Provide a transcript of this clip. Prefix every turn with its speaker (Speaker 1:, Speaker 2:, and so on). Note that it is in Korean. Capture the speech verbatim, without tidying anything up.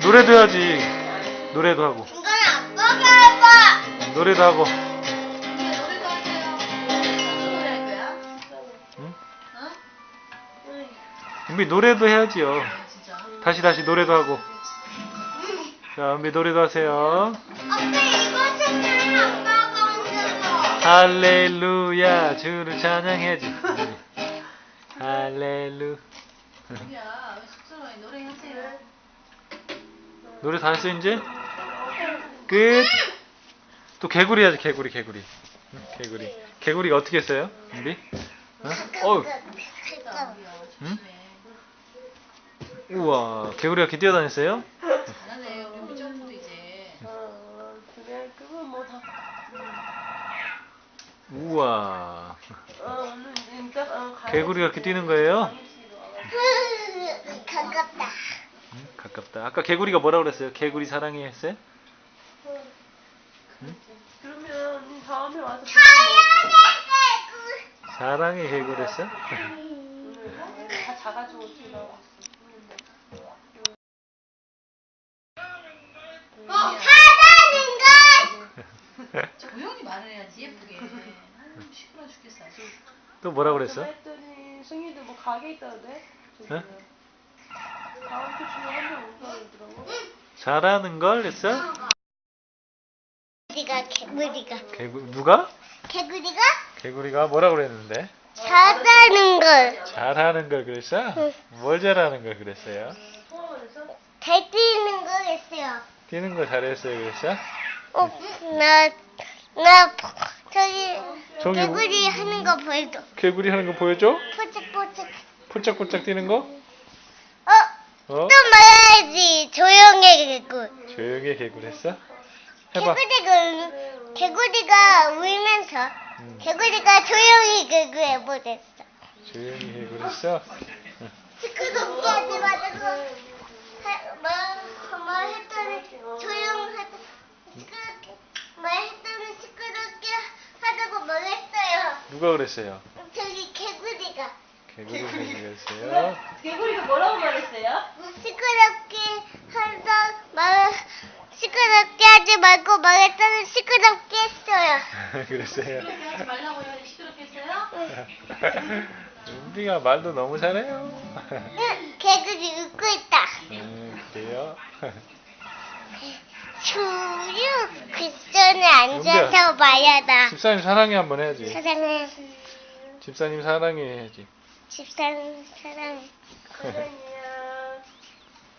Speaker 1: 노래도 해야지. 노래도 하고.
Speaker 2: 이건 아빠가 해봐.
Speaker 1: 노래도 하고.
Speaker 3: 이제 노래도 하세요. 무슨 노래 할 거야?
Speaker 1: 응?
Speaker 3: 어?
Speaker 1: 은비 노래도 해야지요.
Speaker 3: 진짜.
Speaker 1: 다시 다시 노래도 하고. 자, 은비 노래도 하세요.
Speaker 2: 아빠 이거 찾잖아. 아빠가 혼자서.
Speaker 1: 할렐루야, 주를 찬양해야지. 할렐루.
Speaker 3: 은비야, 왜 숙소에 노래하세요?
Speaker 1: 노래 다 했어 이제? 끝. 또 개구리 해야지. 개구리 개구리. 응, 개구리. 개구리가 어떻게 했어요? 은비? 어? 어우.
Speaker 3: 은비야,
Speaker 1: 응?
Speaker 3: 조심해.
Speaker 1: 우와, 개구리가 이렇게 뛰어다녔어요?
Speaker 3: 잘하네. 우리 은비 점프도 이제.
Speaker 4: 어, 그래, 그건 뭐 다.
Speaker 1: 우와.
Speaker 4: 어, 오늘 진짜. 어, 가야지.
Speaker 1: 개구리가 이렇게 뛰는 거예요?
Speaker 2: 가깝다.
Speaker 1: 응, 가깝다. 아까 개구리가 뭐라 그랬어요? 개구리 사랑해 했어요?
Speaker 4: 그러면 언니 다음에 와서.
Speaker 1: 사랑해 개구리 했어?
Speaker 4: 오늘 다 작아지고 지나왔어.
Speaker 2: 하다는 걸.
Speaker 3: 조용히 말을 해야지, 예쁘게. 아유, 시끄러워 죽겠어. 아주.
Speaker 1: 또 뭐라 그랬어?
Speaker 4: 했더니 승희도 뭐 가게 있다는데.
Speaker 1: 응?
Speaker 4: 다음 주 주에 한번 온다고 그러더라고.
Speaker 1: 잘하는 걸 했어?
Speaker 2: 개구리가 개구리가
Speaker 1: 개구 누가?
Speaker 2: 개구리가
Speaker 1: 개구리가 뭐라 그랬는데?
Speaker 2: 잘하는 걸.
Speaker 1: 잘하는 걸 그랬어? 뭘 잘하는 걸 그랬어요?
Speaker 2: 잘 뛰는 거 했어요.
Speaker 1: 뛰는 거 잘했어요 그랬어?
Speaker 2: 어, 나, 나, 저기,
Speaker 1: 저기
Speaker 2: 개구리 하는 거 보여줘.
Speaker 1: 개구리 하는 거 보여줘?
Speaker 2: 포착포착.
Speaker 1: 폴짝폴짝 뛰는 거?
Speaker 2: 어,
Speaker 1: 어?
Speaker 2: 또 말해야지. 조용해, 개구.
Speaker 1: 조용히 개구리 했어? 해봐.
Speaker 2: 개구리가, 개구리가 울면서,
Speaker 1: 음,
Speaker 2: 개구리가 조용히 개구 해보랬어.
Speaker 1: 조용히 개구리 했어?
Speaker 2: 시끄럽게 하지 말고, 하- 뭐, 뭐 했더니 조용하다. 시끄럽게, 뭐 했더니 시끄럽게 하다고 말했어요.
Speaker 1: 누가 그랬어요?
Speaker 2: 저기 개구리가.
Speaker 1: 개구리 개구리 했어요?
Speaker 4: 개구리가 뭐라고 말했어요?
Speaker 2: 시끄럽게 하다 말 시끄럽게 하지 말고 말했더니 시끄럽게 했어요.
Speaker 1: 그랬어요?
Speaker 3: 시끄럽게 하지 말라고 해야지 시끄럽게 했어요?
Speaker 1: 은비가 말도 너무 잘해요.
Speaker 2: 응, 개구리 웃고 있다.
Speaker 1: 음, 그래요?
Speaker 2: 주류 쿠션에 앉아서 말하다.
Speaker 1: 집사님 사랑해 한번 해야지.
Speaker 2: 사랑해.
Speaker 1: 집사님 사랑해 해야지.
Speaker 2: 집사람 사랑해.
Speaker 4: 사랑해.